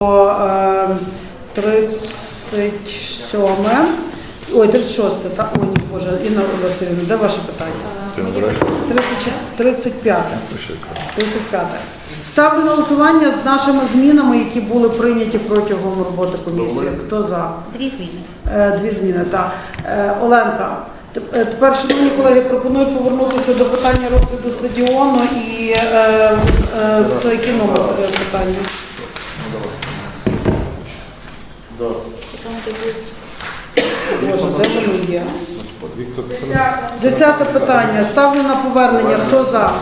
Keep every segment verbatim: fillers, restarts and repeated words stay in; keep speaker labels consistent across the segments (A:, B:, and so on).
A: тридцять сьоме, ой, тридцять шосте, так, ой, ні, Боже, Інна Васильівна, де ваше питання? тридцять п'яте. тридцять п'яте. Ставлю на голосування з нашими змінами, які були прийняті протягом роботи комісії. Хто за?
B: Дві зміни.
A: Е, Дві зміни, так. Е, Оленка, теп- е, тепер, шановні колеги, пропоную повернутися до питання розгляду стадіону і е, е, це який номер е, питання?
B: Там де буде.
A: Боже, де воно є? Десяте питання. Ставлю на повернення. Хто за?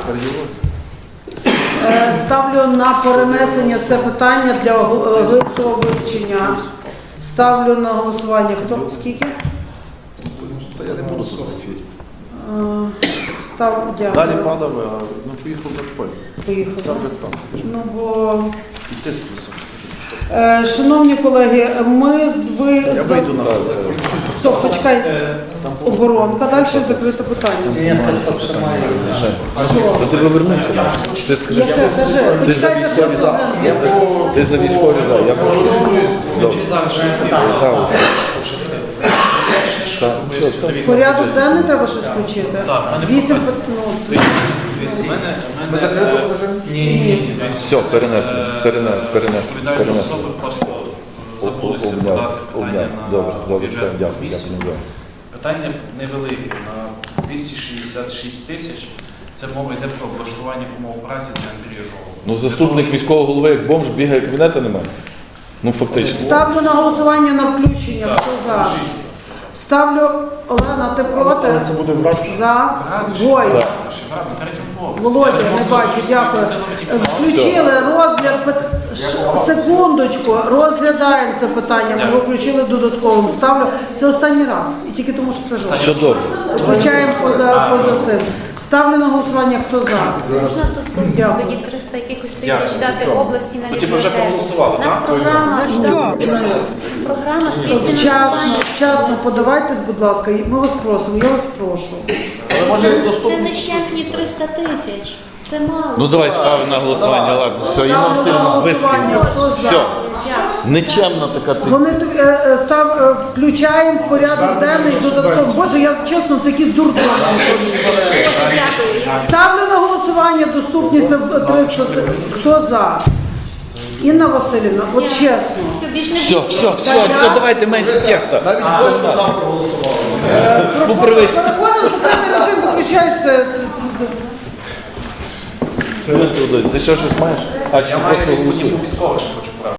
A: Е, Ставлю на перенесення це питання для гл- глибшого вивчення. Ставлю на голосування. Хто? Скільки?
C: Та я не буду тут сидіти.
A: Е, Став,
C: Далі
A: дякую.
C: падав, а ну поїхав на поле.
A: Поїхали.
C: Там вже там.
A: Ну, бо...
C: І тиск високий.
A: Е, Шановні колеги, ми з ви...
C: Я
A: за-
C: вийду на
A: Стоп, почекай. Оборонка. Далі закрите питання.
D: То ти повернувся до нас. Ти скажи,
A: Яке? Кажи.
D: ти за
A: Почекайте,
D: військові
A: що
D: за.
A: це?
D: Ти за військові за. Я прошу. Добре. Так.
A: Порядок денний треба щось включити?
E: Так, в мене
A: Вісім
E: питання.
A: пит- ну,
E: Дивіться, в мене, в
C: Ми
E: мене,
C: закрито
E: е,
C: покажемо?
E: Ні, ні, ні, дивіться.
D: Все, перенесли.
E: Е,
D: Перенесли. Перенесли.
E: Відповідальні
D: Перенесли.
E: особи просто забулися
D: Обняв,
E: подати питання
D: обняв.
E: на
D: Добре, добре, все,
E: бюджетну
D: дякую,
E: комісію.
D: дякую.
E: Питання невелике, на двісті шістдесят шість тисяч. Це мова йде про облаштування умов праці для Андрія Жолоба.
D: Ну, заступник міського голови, як бомж, бігає, кабінета немає. Ну, фактично.
A: Ставлю на голосування на включення.
E: Так,
A: Хто за?
E: покажіть.
A: Ставлю, Олена, ти проти?
C: Це буде в раді.
A: За.
E: Радуш,
A: Двоє.
E: Радуш, Радуш, на третьому поверсі.
A: Володя,
E: Я
A: не
E: можу
A: бачу,
E: всі
A: дякую.
E: силами тільки-
A: Включили розгляд, пит- Ш- секундочку, розглядаємо це питання, ми його включили додатковим. Ставлю, це останній раз, і тільки тому, що це
D: Все
A: жовт.
D: добре.
A: Включаємо поза, поза цим. Ставлю на голосування, хто за.
B: Можна доступність
A: Дякую.
B: тоді триста якихось
E: Дякую.
B: тисяч дати області на
E: Ну, типу, вже
B: бібліотеку.
E: проголосували,
B: У нас
E: так?
B: програма, програма
A: Вчасно,
B: співфінансування.
A: вчасно подавайтесь, будь ласка, ми вас просимо, я вас прошу.
C: Але може
B: Це
C: доступно.
B: нещасні триста тисяч. Це мало.
D: Ну, давай ставимо на голосування, ладно. Все, Інна
A: Ставлю на
D: Васильівна,
A: голосування,
D: вискрив.
A: хто за.
D: Все. Нечемна така ти.
A: Вони тобі, е, е, став, е, включаємо в порядок денний додатково. Боже, я чесно, це якийсь дурдом.
B: Дякую. Я
A: Ставлю на голосування доступність на триста. Хто за? Інна Васильівна, от чесно.
B: все більш не
D: Все, все, все, все, давайте менше текста.
C: Навіть Бог за проголосував.
D: Поправись.
A: Переходимо в такий режим, виключається. це- це-
D: Ти що щось маєш? А чи
E: Я
D: просто
E: маю
D: голосуєш?
E: військових, що хочу